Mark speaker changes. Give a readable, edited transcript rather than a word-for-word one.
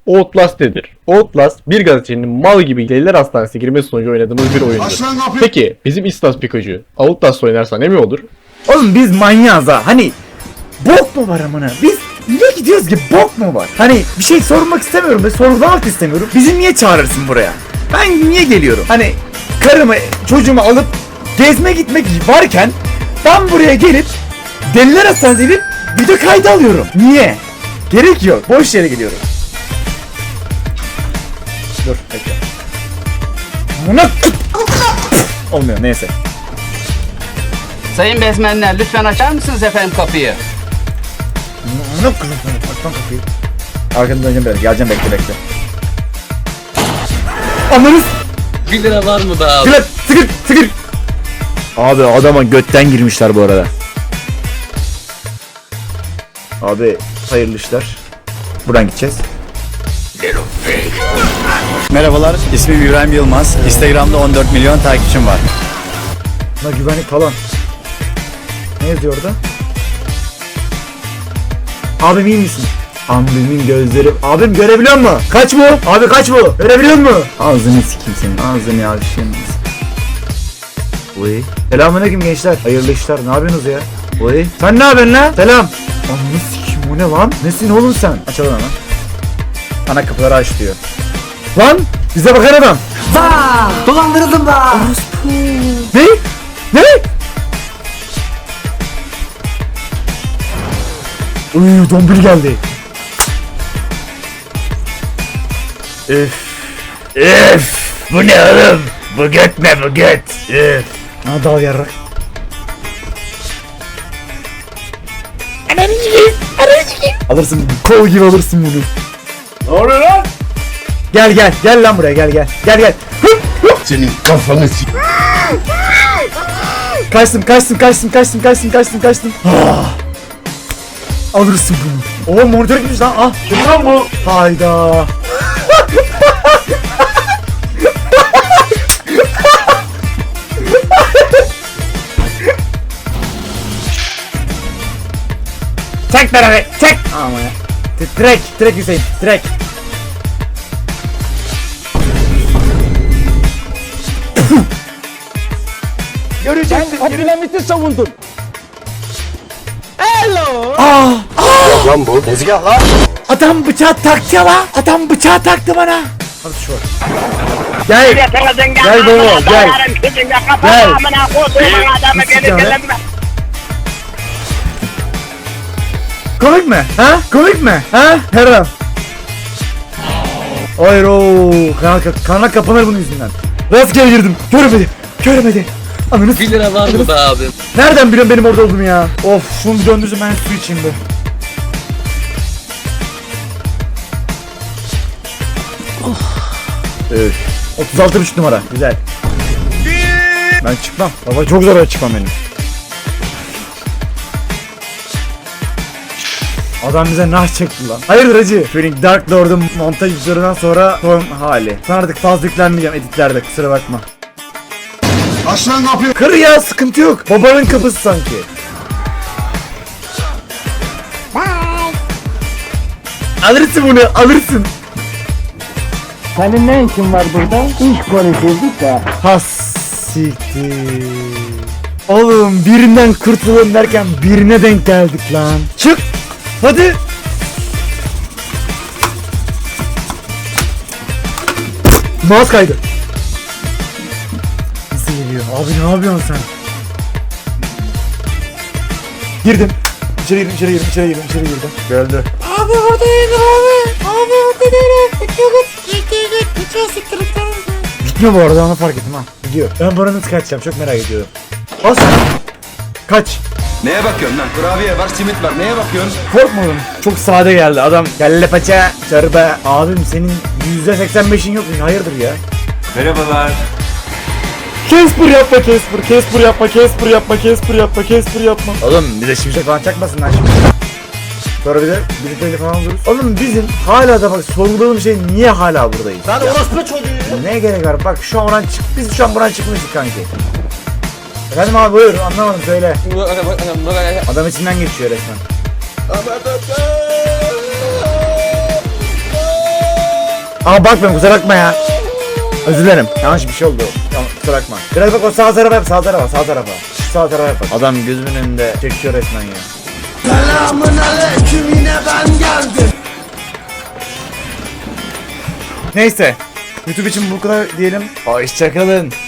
Speaker 1: Outlast nedir? Outlast bir gazetecinin mal gibi deliler hastanesine girmesi sonucu oynadığımız bir oyundur. Peki bizim İstas Pikachu Outlast oynarsa ne mi olur?
Speaker 2: Oğlum biz manyağız ha. Hani bok mu var amına? Biz niye gidiyoruz ki, bok mu var? Hani bir şey sormak istemiyorum ve sorgulamak istemiyorum. Bizi niye çağırırsın buraya? Ben niye geliyorum? Hani karımı çocuğumu alıp gezme gitmek varken ben buraya gelip deliler hastanesine gidip video kaydı alıyorum. Niye? Gerek yok. Boş yere geliyorum. Dur bekle. Buna olmuyor neyse.
Speaker 3: Sayın bezmenler lütfen açar mısınız efendim kapıyı?
Speaker 2: Ne kızım sana? Aç lan kapıyı. Arkanı döneceğim böyle. Geleceğim bekle. Anlarız.
Speaker 3: 1 lira var mı be abi?
Speaker 2: Sıkır. Abi adama götten girmişler bu arada. Abi hayırlı işler. Buradan gideceğiz.
Speaker 4: Merhabalar, ismim İbrahim Yılmaz. Instagram'da 14 milyon takipçim var.
Speaker 2: Buna güvenlik falan. Ne yazıyor orada? Abim iyi misin? Abimin gözleri... Abim görebiliyor mu? Kaç bu? Abi kaç bu? Görebiliyor mu? Ağzını sikeyim senin. Ağzını yavşayayım. Oy. Selamünaleyküm gençler. Hayırlı işler. Ne yapıyorsunuz ya? Oy. Sen ne yapıyorsun lan? Selam. Ananı sikeyim, o ne lan? Nesin oğlum sen? Açalım hemen. Ana kapıları aç diyor. Lan! Bize bakar adam.
Speaker 3: Dolandırıldım da.
Speaker 2: Ne? Ne? Uy, dombili geldi. Üf. Bu ne oğlum? Bu göt ne bu göt? Üf. Ha dal yarrak. Alırsın, kol gibi alırsın bunu.
Speaker 1: Ne oluyor lan?
Speaker 2: Gel lan buraya gel.
Speaker 1: Senin kafanı s***.
Speaker 2: Kaçtım. Alırsın bunu. Oo monitör gitmiş lan. Ah.
Speaker 1: Kim lan bu?
Speaker 2: Hayda. Çek beraber. Çek. Ama ya. Direk Hüseyin. Direk.
Speaker 1: Göreceksin. Abdülhamit'i savundun.
Speaker 4: Lan bu tezgah lan.
Speaker 2: Adam bıçağı taktı ya lan. Adam bıçağı taktı bana. Hadi şu var. Gel baba gel. Komik mi? Ha? Her an. Hayır ooo. Kanal kapanır bunun yüzünden. Rastgele girdim. Görmedi. Ananı
Speaker 3: 1 lira var mı be abi?
Speaker 2: Nereden biliyorsun benim orada olduğumu ya? Of, şunu bir döndürsün, ben su içeyim be. Evet. 36,5 numara. Güzel. Ben çıkmam. Baba çok zor çıkmam benim. Adam bize nah çekti lan. Hayırdır hacı? Phoenix Dark Lord'un montajlarından sonra son hali. Sen artık fazla yüklenmeyeceğim editlerde, kusura bakma.
Speaker 5: Aç lan kapıyı.
Speaker 2: Kır ya, sıkıntı yok. Babanın kapısı sanki. Alırsın.
Speaker 6: Senin ne işin var burada? İş konuşuyorduk da.
Speaker 2: Has siktir. Oğlum birinden kurtulalım derken birine denk geldik lan. Çık. Hadi. Mouse kaydı. Nasıl geliyor? Abi ne yapıyorsun sen? Girdim. İçeri girdim. Geldi.
Speaker 6: Abi burada değil abi. Abi burada değil.
Speaker 2: Gitmiyor bu arada, onu fark ettim ha. Gidiyor. Ben buranın nasıl kaçacağım çok merak ediyorum. Bas. Kaç.
Speaker 5: Neye bakıyorsun lan? Kurabiye var, simit var. Neye bakıyorsun?
Speaker 2: Korkma oğlum. Çok sade geldi adam. Kelle paça. Çorba. Abim senin %85'in yok mu? Hayırdır ya?
Speaker 5: Merhabalar.
Speaker 2: Casper yapma. Oğlum bize şimşek falan çakmasınlar şimdi. Sonra bir de birlikte falan oluruz. Oğlum bizim hala da bak sorguladığım şey, niye hala buradayız?
Speaker 1: Lan orospu çocuğu.
Speaker 2: Ne gerek var? Bak şu an biz şu an buradan çıkmıştık kanki. Efendim abi buyur, anlamadım söyle. Adam içinden geçiyor resmen. Ama bakmayın kusura bakma ya. Özür dilerim. Yanlış bir şey oldu. Tamam, kusura bakma. Biraz bak o sağ tarafa yap, sağ tarafa, sağ tarafa. Sağ tarafa yap. Adam gözümün önünde çekiyor resmen ya. Selamünaleyküm, yine ben geldim. Neyse. YouTube için bu kadar diyelim. Hoşçakalın.